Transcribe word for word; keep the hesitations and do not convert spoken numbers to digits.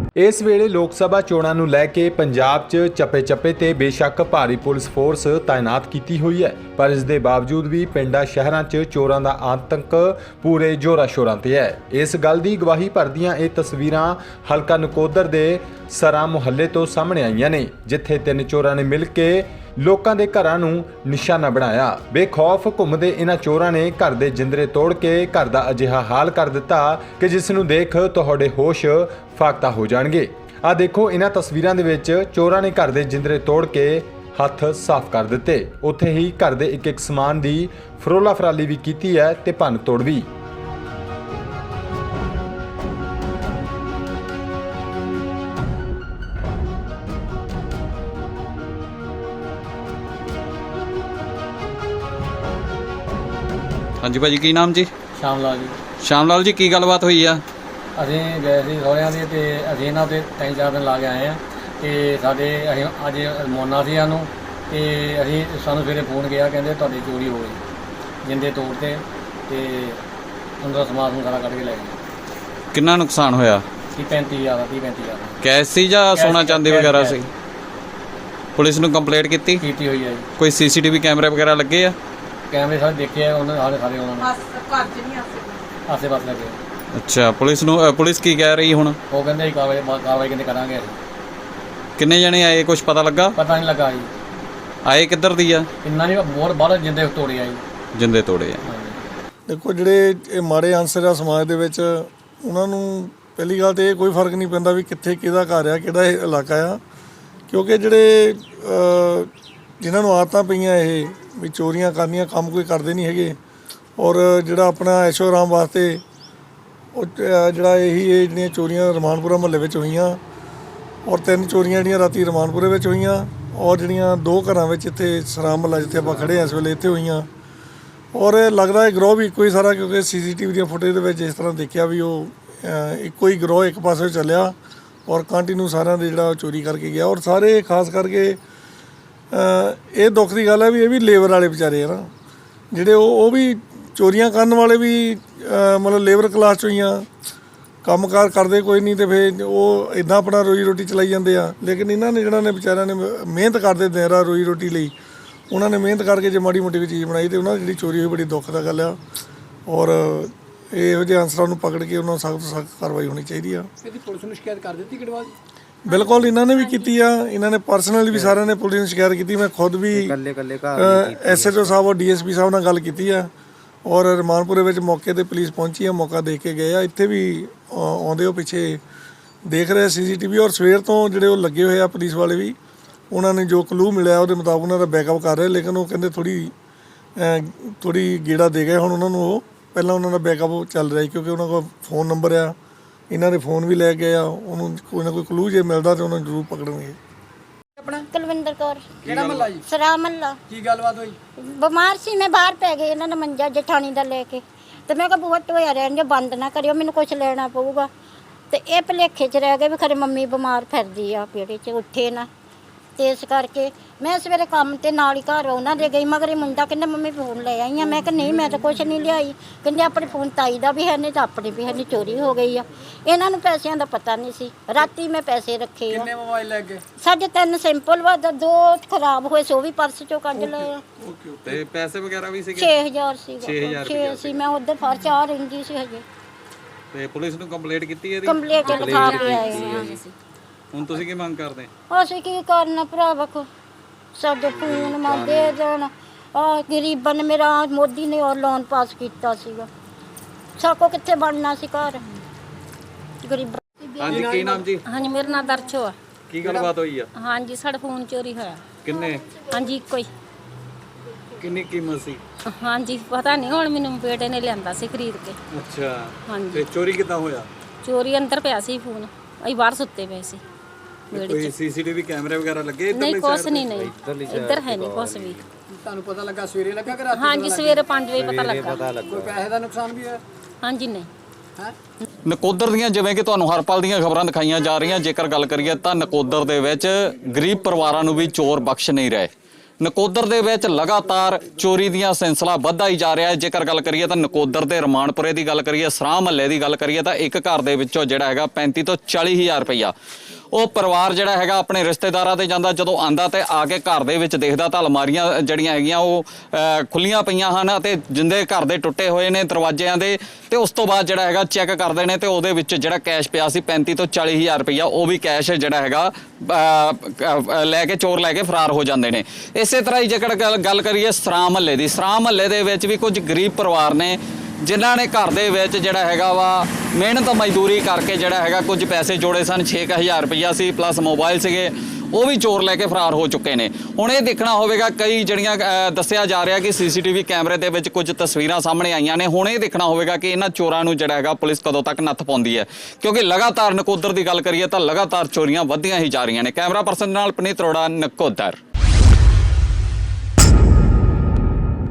इस वेले लोक सभा चोणां नूं लैके पंजाब च चप्पे चप्पे ते बेशक भारी पुलिस फोर्स तैनात कीती हुई है, पर इस दे बावजूद भी पिंडां शहरां च चोरां दा आतंक पूरे जोरा शोरां ते है। इस गल दी गवाही भरदियां ये तस्वीरां हलका नकोदर दे सरा मुहल्ले तो सामने आईयां ने, जिथे तिन चोरां ने मिल के लोकां दे घरां नूं निशाना बनाया। बेखौफ घुमदे इन्हां चोरां ने घर दे जिंदरे तोड़ के घर दा अजिहा हाल कर दिता कि जिस नूं देख तुहाडे होश फाकता हो जाणगे। आ देखो इन्हां तस्वीरां दे विच चोरां ने घर दे जिंदरे तोड़ के हत्थ साफ कर दिते, उत्थे ही घर दे एक एक समान दी फरोला फराली भी कीती है ते भन्न तोड़ भी। हाँ जी भाजी, की नाम जी? श्याम लाल जी। श्याम लाल जी, की गलबात हुई है? ਅਸੀਂ ਗਏ ਸੀ ਸਹੁਰਿਆਂ ਦੇ ਤੇ ਅਸੀਂ ਇਹਨਾਂ ਦੇ ਤਿੰਨ ਚਾਰ ਦਿਨ ਲਾ ਕੇ ਆਏ ਆ ਤੇ ਸਾਡੇ ਅਸੀਂ ਅੱਜ ਮੋਨਾ ਸੀ ਸਾਨੂੰ ਤੇ ਅਸੀਂ ਸਾਨੂੰ ਸਵੇਰੇ ਫੋਨ ਗਿਆ, ਕਹਿੰਦੇ ਤੁਹਾਡੀ ਚੋਰੀ ਹੋ ਗਈ, ਜਿੰਦੇ ਤੋੜ ਤੇ ਤੇ ਅੰਦਰ ਸਮਾਨ ਨੂੰ ਸਾਰਾ ਕੱਢ ਕੇ ਲੈ ਗਏ। ਕਿੰਨਾ ਨੁਕਸਾਨ ਹੋਇਆ? ਤੀਹ ਪੈਂਤੀ ਹਜ਼ਾਰ ਦਾ ਤੀਹ ਪੈਂਤੀ ਹਜ਼ਾਰ ਦਾ ਕੈਸ਼ ਸੀ ਜਾਂ ਸੋਨਾ ਚਾਂਦੀ ਕੈਸ਼, ਵਗੈਰਾ ਕੈਸ਼। ਸੀ? ਪੁਲਿਸ ਨੂੰ ਕੰਪਲੇਂਟ ਕੀਤੀ? ਕੀਤੀ ਹੋਈ ਹੈ ਜੀ। ਕੋਈ ਸੀਸੀਟੀਵੀ ਕੈਮਰੇ ਵਗੈਰਾ ਲੱਗੇ ਆ? ਕੈਮਰੇ ਸਾਰੇ ਦੇਖੇ ਆ ਉਹਨਾਂ ਸਾਰੇ ਸਾਰੇ ਉਹਨਾਂ ਨੇ ਘਰ ਚ ਨਹੀਂ ਆਸੇ ਆਸੇ ਪਾਸੇ ਲੱਗੇ। ਅੱਛਾ, ਪੁਲਿਸ ਨੂੰ ਅ, ਪੁਲਿਸ ਕੀ ਕਹਿ ਰਹੀ ਹੁਣ? ਉਹ ਕਹਿੰਦੇ ਅਸੀਂ ਕਾਰਵਾਈ ਕਾਰਵਾਈ ਕਹਿੰਦੇ ਕਰਾਂਗੇ ਅਸੀਂ। ਕਿੰਨੇ ਜਣੇ ਆਏ, ਕੁਝ ਪਤਾ ਲੱਗਾ? ਪਤਾ ਨਹੀਂ ਲੱਗਾ ਜੀ, ਆਏ ਕਿੱਧਰ ਦੀ ਆ? ਇੰਨਾ ਨਹੀਂ ਬਹੁਤ ਬਾਹਰ ਜਿੰਦੇ ਤੋੜੇ ਆ ਜੀ। ਜਿੰਦੇ ਤੋੜੇ ਆ। ਹਾਂਜੀ। ਦੇਖੋ, ਜਿਹੜੇ ਇਹ ਮਾੜੇ ਅਨਸਰ ਆ ਸਮਾਜ ਦੇ ਵਿੱਚ, ਉਹਨਾਂ ਨੂੰ ਪਹਿਲੀ ਗੱਲ ਤਾਂ ਇਹ ਕੋਈ ਫਰਕ ਨਹੀਂ ਪੈਂਦਾ ਵੀ ਕਿੱਥੇ ਕਿਹਦਾ ਘਰ ਆ, ਕਿਹੜਾ ਇਹ ਇਲਾਕਾ ਆ, ਕਿਉਂਕਿ ਜਿਹੜੇ ਜਿਨ੍ਹਾਂ ਨੂੰ ਆਦਤਾਂ ਪਈਆਂ ਇਹ ਵੀ ਚੋਰੀਆਂ ਕਰਨੀਆਂ, ਕੰਮ ਕੋਈ ਕਰਦੇ ਨਹੀਂ ਹੈਗੇ, ਔਰ ਜਿਹੜਾ ਆਪਣਾ ਐਸ਼ੋ ਆਰਾਮ ਵਾਸਤੇ ਉਹ ਜਿਹੜਾ ਇਹੀ ਇਹ ਜਿਹੜੀਆਂ ਚੋਰੀਆਂ ਰਮਾਨਪੁਰਾ ਮੁਹੱਲੇ ਵਿੱਚ ਹੋਈਆਂ, ਔਰ ਤਿੰਨ ਚੋਰੀਆਂ ਜਿਹੜੀਆਂ ਰਾਤੀ ਰਮਾਨਪੁਰੇ ਵਿੱਚ ਹੋਈਆਂ, ਔਰ ਜਿਹੜੀਆਂ ਦੋ ਘਰਾਂ ਵਿੱਚ ਇੱਥੇ ਸਰਾਮ ਮੁਹੱਲਾ ਜਿੱਥੇ ਆਪਾਂ ਖੜ੍ਹੇ ਹਾਂ ਇਸ ਵੇਲੇ ਇੱਥੇ ਹੋਈਆਂ। ਔਰ ਲੱਗਦਾ ਹੈ ਗਰੋਹ ਵੀ ਇੱਕੋ ਹੀ ਸਾਰਾ, ਕਿਉਂਕਿ ਸੀ ਸੀ ਟੀ ਵੀ ਦੀਆਂ ਫੁਟੇਜ ਦੇ ਵਿੱਚ ਇਸ ਤਰ੍ਹਾਂ ਦੇਖਿਆ ਵੀ ਉਹ ਇੱਕੋ ਹੀ ਗਰੋਹ ਇੱਕ ਪਾਸੇ ਚੱਲਿਆ ਔਰ ਕੰਟੀਨਿਊ ਸਾਰਿਆਂ ਦੇ ਜਿਹੜਾ ਚੋਰੀ ਕਰਕੇ ਗਿਆ। ਔਰ ਸਾਰੇ ਖਾਸ ਕਰਕੇ ਇਹ ਦੁੱਖ ਦੀ ਗੱਲ ਹੈ ਵੀ ਇਹ ਵੀ ਲੇਬਰ ਵਾਲੇ ਵਿਚਾਰੇ ਆ ਨਾ, ਜਿਹੜੇ ਉਹ ਉਹ ਵੀ ਚੋਰੀਆਂ ਕਰਨ ਵਾਲੇ ਵੀ ਮਤਲਬ ਲੇਬਰ ਕਲਾਸ 'ਚੋਂ ਹੀ ਆ, ਕੰਮ ਕਾਰ ਕਰਦੇ ਕੋਈ ਨਹੀਂ, ਅਤੇ ਫਿਰ ਉਹ ਇੱਦਾਂ ਆਪਣਾ ਰੋਜੀ ਰੋਟੀ ਚਲਾਈ ਜਾਂਦੇ ਆ। ਲੇਕਿਨ ਇਹਨਾਂ ਨੇ ਜਿਹੜਾ ਨੇ ਵਿਚਾਰਿਆਂ ਨੇ ਮਿਹਨਤ ਕਰਦੇ ਦਿਨ ਰਾਤ ਰੋਜੀ ਰੋਟੀ ਲਈ, ਉਹਨਾਂ ਨੇ ਮਿਹਨਤ ਕਰਕੇ ਜੇ ਮਾੜੀ ਮੋਟੀ ਕੋਈ ਚੀਜ਼ ਬਣਾਈ ਅਤੇ ਉਹਨਾਂ ਦੀ ਜਿਹੜੀ ਚੋਰੀ ਹੋਈ ਬੜੀ ਦੁੱਖ ਦਾ ਗੱਲ ਆ। ਔਰ ਇਹੋ ਜਿਹੇ ਅਨਸਰਾਂ ਨੂੰ ਪਕੜ ਕੇ ਉਹਨਾਂ ਨੂੰ ਸਖਤ ਤੋਂ ਸਖਤ ਕਾਰਵਾਈ ਹੋਣੀ ਚਾਹੀਦੀ ਆ। ਇਹਦੀ ਪੁਲਿਸ ਨੂੰ ਸ਼ਿਕਾਇਤ ਕਰ ਦਿੱਤੀ ਗੜਵਾਲ? ਬਿਲਕੁਲ, ਇਹਨਾਂ ਨੇ ਵੀ ਕੀਤੀ ਆ, ਇਹਨਾਂ ਨੇ ਪਰਸਨਲੀ ਵੀ ਸਾਰਿਆਂ ਨੇ ਪੁਲਿਸ ਨੂੰ ਸ਼ਿਕਾਇਤ ਕੀਤੀ। ਮੈਂ ਖੁਦ ਵੀ ਐਸ ਐਚ ਓ ਸਾਹਿਬ ਔਰ ਡੀ ਐਸ ਪੀ ਸਾਹਿਬ ਨਾਲ ਗੱਲ ਕੀਤੀ ਆ, ਔਰ ਰਮਾਨਪੁਰੇ ਵਿੱਚ ਮੌਕੇ 'ਤੇ ਪੁਲਿਸ ਪਹੁੰਚੀ ਆ, ਮੌਕਾ ਦੇਖ ਕੇ ਗਏ ਆ। ਇੱਥੇ ਵੀ ਆਉਂਦੇ ਉਹ ਪਿੱਛੇ ਦੇਖ ਰਹੇ ਸੀ ਸੀ ਟੀ ਵੀ, ਔਰ ਸਵੇਰ ਤੋਂ ਜਿਹੜੇ ਉਹ ਲੱਗੇ ਹੋਏ ਆ ਪੁਲਿਸ ਵਾਲੇ ਵੀ, ਉਹਨਾਂ ਨੇ ਜੋ ਕਲੂ ਮਿਲਿਆ ਉਹਦੇ ਮੁਤਾਬਕ ਉਹਨਾਂ ਦਾ ਬੈਕਅਪ ਕਰ ਰਹੇ। ਲੇਕਿਨ ਉਹ ਕਹਿੰਦੇ ਥੋੜ੍ਹੀ ਥੋੜ੍ਹੀ ਗੇੜਾ ਦੇ ਗਏ ਹੁਣ ਉਹਨਾਂ ਨੂੰ, ਉਹ ਪਹਿਲਾਂ ਉਹਨਾਂ ਦਾ ਬੈਕਅਪ ਚੱਲ ਰਿਹਾ ਕਿਉਂਕਿ ਉਹਨਾਂ ਕੋਲ ਫੋਨ ਨੰਬਰ ਆ, ਇਹਨਾਂ ਦੇ ਫੋਨ ਵੀ ਲੈ ਗਏ ਆ। ਉਹਨੂੰ ਕੋਈ ਨਾ ਕੋਈ ਕਲੂ ਜੇ ਮਿਲਦਾ ਤਾਂ ਉਹਨਾਂ ਨੂੰ ਜ਼ਰੂਰ ਪਕੜਨਗੇ। ਆਪਣਾ ਕੁਲਵਿੰਦਰ ਕੌਰ। ਕਿਹੜਾ ਮਹੱਲਾ ਜੀ? ਸਰਾ ਮਹੱਲਾ। ਕੀ ਗੱਲਬਾਤ ਹੋਈ? ਬਿਮਾਰ ਸੀ ਮੈਂ, ਬਾਹਰ ਪੈ ਗਈ ਇਹਨਾਂ ਨੇ ਮੰਜਾ ਜਠਾਣੀ ਦਾ ਲੈ ਕੇ, ਤੇ ਮੈਂ ਕਿਹਾ ਬੂਹਾ ਢੋਇਆ ਰਹਿਣ ਜੇ, ਬੰਦ ਨਾ ਕਰਿਓ, ਮੈਨੂੰ ਕੁਝ ਲੈਣਾ ਪਊਗਾ। ਤੇ ਇਹ ਭੁਲੇਖੇ 'ਚ ਰਹਿ ਗਏ ਵੀ ਖਰੇ ਮੰਮੀ ਬਿਮਾਰ ਫਿਰਦੀ ਆ, ਪੇੜੇ 'ਚ ਉੱਠੇ ਨਾ, ਤੇ ਇਸ ਕਰਕੇ ਮੈਂ ਸਵੇਰੇ ਕੰਮ ਤੇ ਨਾਲ ਹੀ ਘਰ ਉਹਨਾਂ ਦੇ ਗਈ, ਮਗਰ ਇਹ ਮੁੰਡਾ ਕਹਿੰਦਾ ਮੰਮੀ ਫੋਨ ਲੈ ਆਈ ਆ। ਮੈਂ ਕਿਹਾ ਨਹੀਂ, ਮੈਂ ਤਾਂ ਕੁਛ ਨਹੀਂ ਲਿਆਈ। ਕਹਿੰਦੇ ਆਪਣੇ ਫੋਨ ਤਾਈ ਦਾ ਵੀ ਹੈ ਨਹੀਂ ਤਾਂ ਆਪਣੇ ਵੀ ਹੈ ਨਹੀਂ, ਚੋਰੀ ਹੋ ਗਈ ਆ। ਇਹਨਾਂ ਨੂੰ ਪੈਸਿਆਂ ਦਾ ਪਤਾ ਨਹੀਂ ਸੀ, ਰਾਤੀ ਮੈਂ ਪੈਸੇ ਰੱਖੇ ਆ। ਕਿੰਨੇ ਮੋਬਾਈਲ ਲੈ ਗਏ? ਸਾਡੇ ਤਿੰਨ ਸਿੰਪਲ ਵਾ, ਦੋ ਖਰਾਬ ਹੋਏ ਸੀ, ਉਹ ਵੀ ਪਰਸ ਚੋਂ ਕੱਢ ਲਏ ਆ। ਤੇ ਪੈਸੇ ਵਗੈਰਾ ਵੀ ਸੀਗੇ? ਛੇ ਹਜ਼ਾਰ ਸੀਗਾ। ਛੇ ਹਜ਼ਾਰ ਛੇ ਸੀ, ਮੈਂ ਉਧਰ ਫਰ ਚਾਹ ਰਹਿੰਦੀ ਸੀ ਹਜੇ। ਤੇ ਪੁਲਿਸ ਨੂੰ ਕੰਪਲੇਂਟ ਕੀਤੀ ਇਹਦੀ? ਕੰਪਲੀਟ ਲਿਖਾ ਕੇ ਆਏ ਹਾਂ। ਹੁਣ ਤੁਸੀਂ ਕੀ ਮੰਗ ਕਰਦੇ? ਅਸੀਂ ਕੀ ਕਰਨਾ ਭਰਾ, ਵੇਖੋ ਸਾਡੇ ਫੋਨ ਮੈਂ ਦੇ ਦੇਣ। ਆ ਗਰੀਬਾਂ ਨੇ, ਮੇਰਾ ਮੋਦੀ ਨੇ ਉਹ ਲੋਨ ਪਾਸ ਕੀਤਾ ਸੀਗਾ, ਸਾਕੋ ਕਿੱਥੇ ਬਣਨਾ ਸੀ ਘਰ ਗਰੀਬਾਂ। ਹਾਂਜੀ, ਕੀ ਨਾਮ ਜੀ? ਹਾਂਜੀ, ਮੇਰਾ ਨਾਮ ਦਰਸ਼ੋ ਆ। ਕੀ ਗੱਲਬਾਤ ਹੋਈ ਆ? ਹਾਂਜੀ, ਸਾਡਾ ਫੋਨ ਚੋਰੀ ਹੋਇਆ। ਕਿੰਨੇ? ਹਾਂਜੀ, ਇੱਕੋ ਹੀ। ਕਿੰਨੀ ਕੀਮਤ ਸੀ? ਹਾਂਜੀ, ਪਤਾ ਨਹੀਂ, ਹੁਣ ਮੈਨੂੰ ਬੇਟੇ ਨੇ ਲਿਆਂਦਾ ਸੀ ਖਰੀਦ ਕੇ। ਅੱਛਾ, ਹਾਂਜੀ। ਤੇ ਚੋਰੀ ਕਿੱਦਾਂ ਹੋਇਆ? ਚੋਰੀ ਅੰਦਰ ਪਿਆ ਸੀ ਫੋਨ, ਅਸੀਂ ਬਾਹਰ ਸੁੱਤੇ ਪਏ ਸੀ ਵਿਹੜੇ ਕੋਈ 'ਚ। ਸੀਸੀਟੀਵੀ ਕੈਮਰੇ ਵਗੈਰਾ ਲੱਗੇ? ਨਹੀਂ, ਕੁਛ ਨਹੀਂ, ਨਹੀਂ ਇੱਧਰ ਹੈ ਨਹੀਂ ਕੁਛ ਵੀ। ਤੁਹਾਨੂੰ ਪਤਾ ਲੱਗਾ ਸਵੇਰੇ ਲੱਗਾ ਕਿ ਰਾਤੀ? ਹਾਂਜੀ, ਸਵੇਰੇ ਪੰਜ ਵਜੇ ਪਤਾ ਲੱਗਾ। ਕੋਈ ਪੈਸੇ ਦਾ ਨੁਕਸਾਨ ਵੀ ਹੋਇਆ? ਹਾਂਜੀ, ਨਹੀਂ। ਹੈ ਨਕੋਦਰ ਦੀਆਂ ਜਿਵੇਂ ਕਿ ਤੁਹਾਨੂੰ ਹਰ ਪਲ ਦੀਆਂ ਖਬਰਾਂ ਦਿਖਾਈਆਂ ਜਾ ਰਹੀਆਂ, ਜੇਕਰ ਗੱਲ ਕਰੀਏ ਤਾਂ ਨਕੋਦਰ ਦੇ ਵਿੱਚ ਗਰੀਬ ਪਰਿਵਾਰਾਂ ਨੂੰ ਵੀ ਚੋਰ ਬਖਸ਼ ਨਹੀਂ ਰਹੇ। ਨਕੋਦਰ ਦੇ ਵਿੱਚ ਲਗਾਤਾਰ ਚੋਰੀ ਦੀਆਂ ਸਿਲਸਿਲਾ ਵੱਧਦਾ ਹੀ ਜਾ ਰਿਹਾ ਹੈ। ਜੇਕਰ ਗੱਲ ਕਰੀਏ ਤਾਂ ਨਕੋਦਰ ਦੇ ਰਮਾਨਪੁਰੇ ਦੀ ਗੱਲ ਕਰੀਏ, ਸਰਾਂ ਮਹੱਲੇ ਦੀ ਗੱਲ ਕਰੀਏ ਤਾਂ ਇੱਕ ਘਰ ਦੇ ਵਿੱਚੋਂ ਜਿਹੜਾ ਹੈਗਾ ਪੈਂਤੀ ਤੋਂ ਚਾਲੀ ਹਜ਼ਾਰ ਰੁਪਈਆ ਉਹ ਪਰਿਵਾਰ ਜਿਹੜਾ ਹੈਗਾ ਆਪਣੇ ਰਿਸ਼ਤੇਦਾਰਾਂ ਤੇ ਜਾਂਦਾ, ਜਦੋਂ ਆਂਦਾ ਤੇ ਆ ਕੇ ਘਰ ਦੇ ਵਿੱਚ ਦੇਖਦਾ ਤਾਂ ਅਲਮਾਰੀਆਂ ਜਿਹੜੀਆਂ ਹੈਗੀਆਂ ਉਹ ਖੁੱਲੀਆਂ ਪਈਆਂ ਹਨ ਅਤੇ ਜਿੰਦੇ ਘਰ ਦੇ ਟੁੱਟੇ ਹੋਏ ਨੇ ਦਰਵਾਜ਼ਿਆਂ ਦੇ, ਤੇ ਉਸ ਤੋਂ ਬਾਅਦ ਜਿਹੜਾ ਹੈਗਾ ਚੈੱਕ ਕਰਦੇ ਨੇ ਤੇ ਉਹਦੇ ਵਿੱਚ ਜਿਹੜਾ ਕੈਸ਼ ਪਿਆ ਸੀ ਪੈਂਤੀ ਤੋਂ ਚਾਲੀ ਹਜ਼ਾਰ ਰੁਪਈਆ, ਉਹ ਵੀ ਕੈਸ਼ ਜਿਹੜਾ ਹੈਗਾ ਲੈ ਕੇ ਚੋਰ ਲੈ ਕੇ ਫਰਾਰ ਹੋ ਜਾਂਦੇ ਨੇ। ਇਸੇ ਤਰ੍ਹਾਂ ਹੀ ਜੇਕਰ ਗੱਲ ਕਰੀਏ ਸਰਾਂ ਮਹੱਲੇ ਦੀ, ਸਰਾਂ ਮਹੱਲੇ ਦੇ ਵਿੱਚ ਵੀ ਕੁਝ ਗਰੀਬ ਪਰਿਵਾਰ ਨੇ ਜਿਨ੍ਹਾਂ ਨੇ ਘਰ ਦੇ ਵਿੱਚ ਜਿਹੜਾ ਹੈਗਾ ਵਾ ਮਿਹਨਤ ਮਜ਼ਦੂਰੀ ਕਰਕੇ ਜਿਹੜਾ ਹੈਗਾ ਕੁਝ ਪੈਸੇ ਜੋੜੇ ਸਨ, ਛੇ ਕੁ ਹਜ਼ਾਰ ਰੁਪਈਆ ਸੀ ਪਲੱਸ ਮੋਬਾਈਲ ਸੀਗੇ, ਉਹ ਵੀ ਚੋਰ ਲੈ ਕੇ ਫਰਾਰ ਹੋ ਚੁੱਕੇ ਨੇ। ਹੁਣ ਇਹ ਦੇਖਣਾ ਹੋਵੇਗਾ, ਕਈ ਜਿਹੜੀਆਂ ਦੱਸਿਆ ਜਾ ਰਿਹਾ ਕਿ ਸੀਸੀਟੀਵੀ ਕੈਮਰੇ ਦੇ ਵਿੱਚ ਕੁਝ ਤਸਵੀਰਾਂ ਸਾਹਮਣੇ ਆਈਆਂ ਨੇ, ਹੁਣ ਇਹ ਦੇਖਣਾ ਹੋਵੇਗਾ ਕਿ ਇਹਨਾਂ ਚੋਰਾਂ ਨੂੰ ਜਿਹੜਾ ਹੈਗਾ ਪੁਲਿਸ ਕਦੋਂ ਤੱਕ ਨੱਥ ਪਾਉਂਦੀ ਹੈ, ਕਿਉਂਕਿ ਲਗਾਤਾਰ ਨਕੋਦਰ ਦੀ ਗੱਲ ਕਰੀਏ ਤਾਂ ਲਗਾਤਾਰ ਚੋਰੀਆਂ ਵੱਧਦੀਆਂ ਹੀ ਜਾ ਰਹੀਆਂ ਨੇ। ਕੈਮਰਾ ਪਰਸਨ ਨਾਲ ਪਨੀਤ ਅਰੋੜਾ, ਨਕੋਦਰ।